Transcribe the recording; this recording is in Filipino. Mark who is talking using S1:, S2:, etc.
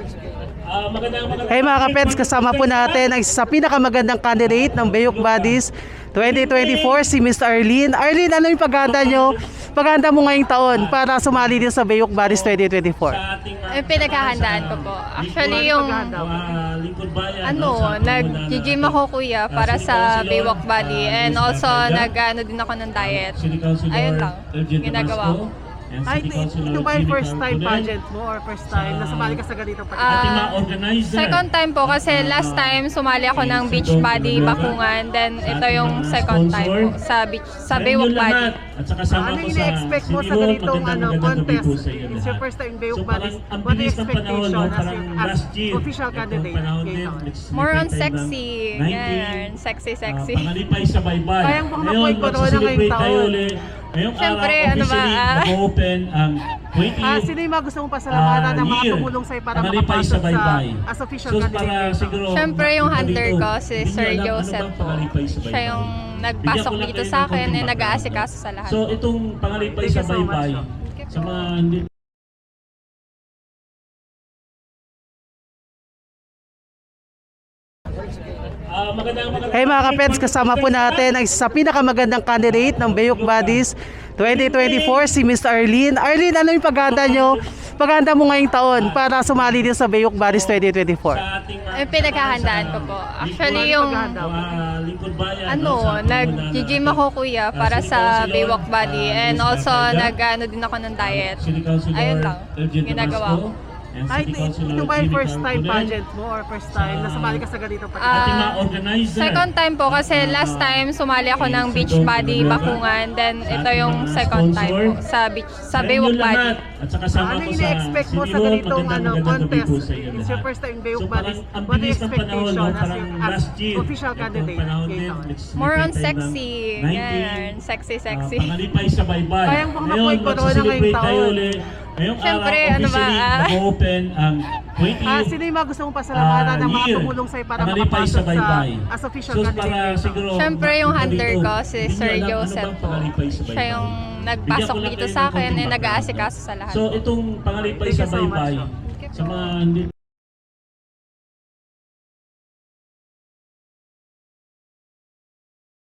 S1: Hey mga kapets, kasama po natin ang isa sa pinakamagandang candidate ng Bayok Buddies 2024, si Miss Arlene. Arlene, ano yung paghahanda mo ngayong taon para sumali din sa Bayok Buddies 2024?
S2: Yung pinaghahandaan ko po. Actually, yung nag-gym ako kuya para sa Baywalk Body, and also nag-ano din ako ng diet. Ayun lang, ginagawa ko.
S1: Ay, ito ba yung first time pageant mo or first time na sumali ka sa ganitong pageant?
S2: Second time po kasi last time sumali ako ng beach body bakungan, then ito yung second time po sa Baywalk Body.
S1: Ano yung ina-expect mo sa ganitong contest? It's your first time in Bayok Buddies. What is expectation as official candidate?
S2: More on sexy. Yan, sexy.
S3: Pangalipay sa baybay.
S1: Kayang baka makuha ko na ngayong taon.
S3: Ngayong
S2: Siyempre,
S3: araw,
S2: ano ba,
S3: officially mag-open ang 20th
S1: Sino yung mga gusto mong pasalamatan ng mga tumulong sa'yo para makapasok as official candidate?
S2: Siyempre yung hunter ko, si Sir Joseph po. Siya yung nagpasok dito sa akin and nag-aasikaso sa lahat.
S3: So itong pangalipay sa baybay, sa mga hindi
S1: Hey mga kapets, kasama po natin ang isa sa pinakamagandang candidate ng Bayok Buddies 2024, si Miss Arlene. Arlene, ano yung paghahanda mo ngayong taon para sumali din sa Bayok Buddies 2024?
S2: Yung pinaghahandaan ko po. Actually, yung nag-gym ako kuya para sa Baywalk Body, and also nag-ano din ako ng diet. Ayun lang, ginagawa ko.
S1: Ay, ito ba yung first time pageant mo or first time na sumali ka sa ganitong pageant?
S2: Second time po kasi last time sumali ako ng beach body bakungan, then ito yung second time po sa Baywalk Body.
S1: Ano yung ina-expect mo sa ganitong contest? It's your first time in Bayok Buddies. What is expectation as official candidate?
S2: More on sexy. Yan, sexy.
S3: pangalipay sa baybay.
S1: Kayang baka makuha ko na ngayong taon.
S3: Ngayong
S2: Siyempre,
S3: araw, officially mag-open ang 20th
S1: Sino yung mga gusto mong pasalamatan ng mga tumulong sa'yo para
S3: pangalipay
S1: makapasok
S3: sa baybay.
S1: as official
S3: So,
S1: candidate?
S2: Siyempre yung hunter ko, si Sir Joseph po. Siya yung nagpasok dito sa akin and nag-aasikaso sa lahat.
S3: So itong pangalipay sa baybay, sa mga hindi